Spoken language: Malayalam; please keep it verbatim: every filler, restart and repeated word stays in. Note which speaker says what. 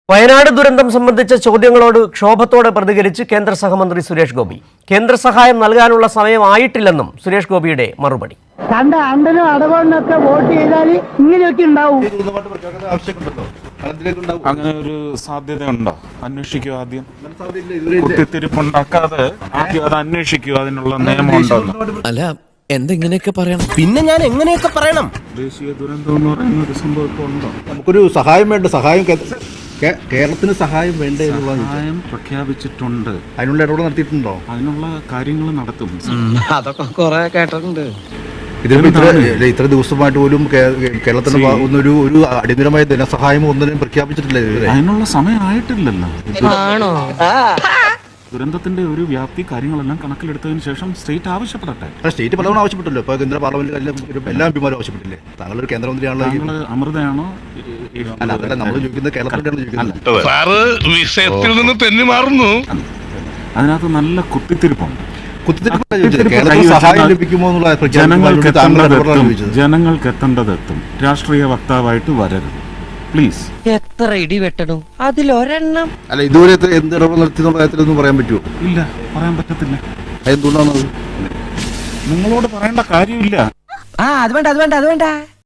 Speaker 1: വയനാട് ദുരന്തം സംബന്ധിച്ച ചോദ്യങ്ങളോട് ക്ഷോഭത്തോടെ പ്രതികരിച്ച് കേന്ദ്ര സഹമന്ത്രി സുരേഷ് ഗോപി. കേന്ദ്ര സഹായം നൽകാനുള്ള സമയമായിട്ടില്ലെന്നും സുരേഷ് ഗോപിയുടെ മറുപടി.
Speaker 2: കണ്ട അണ്ടനും അടവണ്ണൊക്കെ വോട്ട് ചെയ്താൽ ഇങ്ങനെയൊക്കെ ഉണ്ടാവും.
Speaker 3: അങ്ങനെ ഒരു സാധ്യതയുണ്ടോ? അന്വേഷിക്കുക. ആദ്യം കുത്തിത്തിരിപ്പുണ്ടാക്കാതെ ആദ്യം അത് അന്വേഷിക്കുക. അതിനുള്ള നിയമമുണ്ടോ?
Speaker 4: അല്ല, എന്തെങ്ങനെയൊക്കെ പറയണം?
Speaker 5: പിന്നെ ഞാൻ എങ്ങനെയൊക്കെ പറയണം?
Speaker 3: ദേശീയ ദുരന്തം എന്ന് പറയുന്ന ഒരു സംഭവം ഇപ്പോൾ ഉണ്ടോ?
Speaker 6: നമുക്കൊരു സഹായം വേണ്ട. സഹായം കേരളത്തിന് സഹായം വേണ്ടേ?
Speaker 3: സഹായം പ്രഖ്യാപിച്ചിട്ടുണ്ട്.
Speaker 6: അതിനുള്ള ഇടപെടൽ നടത്തിയിട്ടുണ്ടോ?
Speaker 3: അതിനുള്ള കാര്യങ്ങൾ നടത്തും.
Speaker 4: അതൊക്കെ കുറെ കേട്ടിട്ടുണ്ട്.
Speaker 6: ഇതിപ്പോ ഇത്ര ഇത്ര ദിവസമായിട്ട് പോലും കേരളത്തിന് ഒന്നൊരു ഒരു അടിയന്തരമായ ധനസഹായം ഒന്നിനും പ്രഖ്യാപിച്ചിട്ടില്ല.
Speaker 3: അതിനുള്ള സമയമായിട്ടില്ലല്ലോ. ദുരന്തത്തിന്റെ ഒരു വ്യാപ്തി കാര്യങ്ങളെല്ലാം കണക്കിലെടുത്തതിന് ശേഷം സ്റ്റേറ്റ് ആവശ്യപ്പെടട്ടെ.
Speaker 6: സ്റ്റേറ്റ് പലവണ ആവശ്യപ്പെട്ടല്ലോ. ഇപ്പൊ കേന്ദ്ര പാർലമെന്റിൽ എല്ലാ എംപിമാരും ആവശ്യപ്പെട്ടില്ലേ? താങ്കളൊരു കേന്ദ്രമന്ത്രിയാണല്ലോ.
Speaker 3: താങ്കൾ അമൃതയാണോ?
Speaker 6: അല്ല, അതല്ല നമ്മൾ ചോദിക്കുന്നത്. കേരളത്തിലാണ് ചോദിക്കുന്നത്.
Speaker 7: വിഷയത്തിൽ നിന്ന് തെന്നി മാറുന്നു.
Speaker 3: അതിനകത്ത് നല്ല കുത്തിത്തിരിപ്പുണ്ട്.
Speaker 6: സഹായം ലഭിക്കുമോ എന്നുള്ള
Speaker 3: ജനങ്ങൾക്ക് എത്തേണ്ടതെത്തും. രാഷ്ട്രീയ വക്താവായിട്ട് വരരുത് പ്ലീസ്.
Speaker 5: എത്ര ഇടി വെട്ടണം അതിലൊരെണ്ണം.
Speaker 6: അല്ല, ഇതുവരെ എന്ത് ഇടപെടൽ നടത്തിയെന്നുള്ള കാര്യത്തിലൊന്നും പറയാൻ പറ്റുമോ?
Speaker 3: ഇല്ല, പറയാൻ പറ്റത്തില്ല.
Speaker 6: എന്തുകൊണ്ടാണത്?
Speaker 3: നിങ്ങളോട് പറയേണ്ട കാര്യമില്ല.
Speaker 5: ആ അത് വേണ്ട അത് വേണ്ട അത് വേണ്ട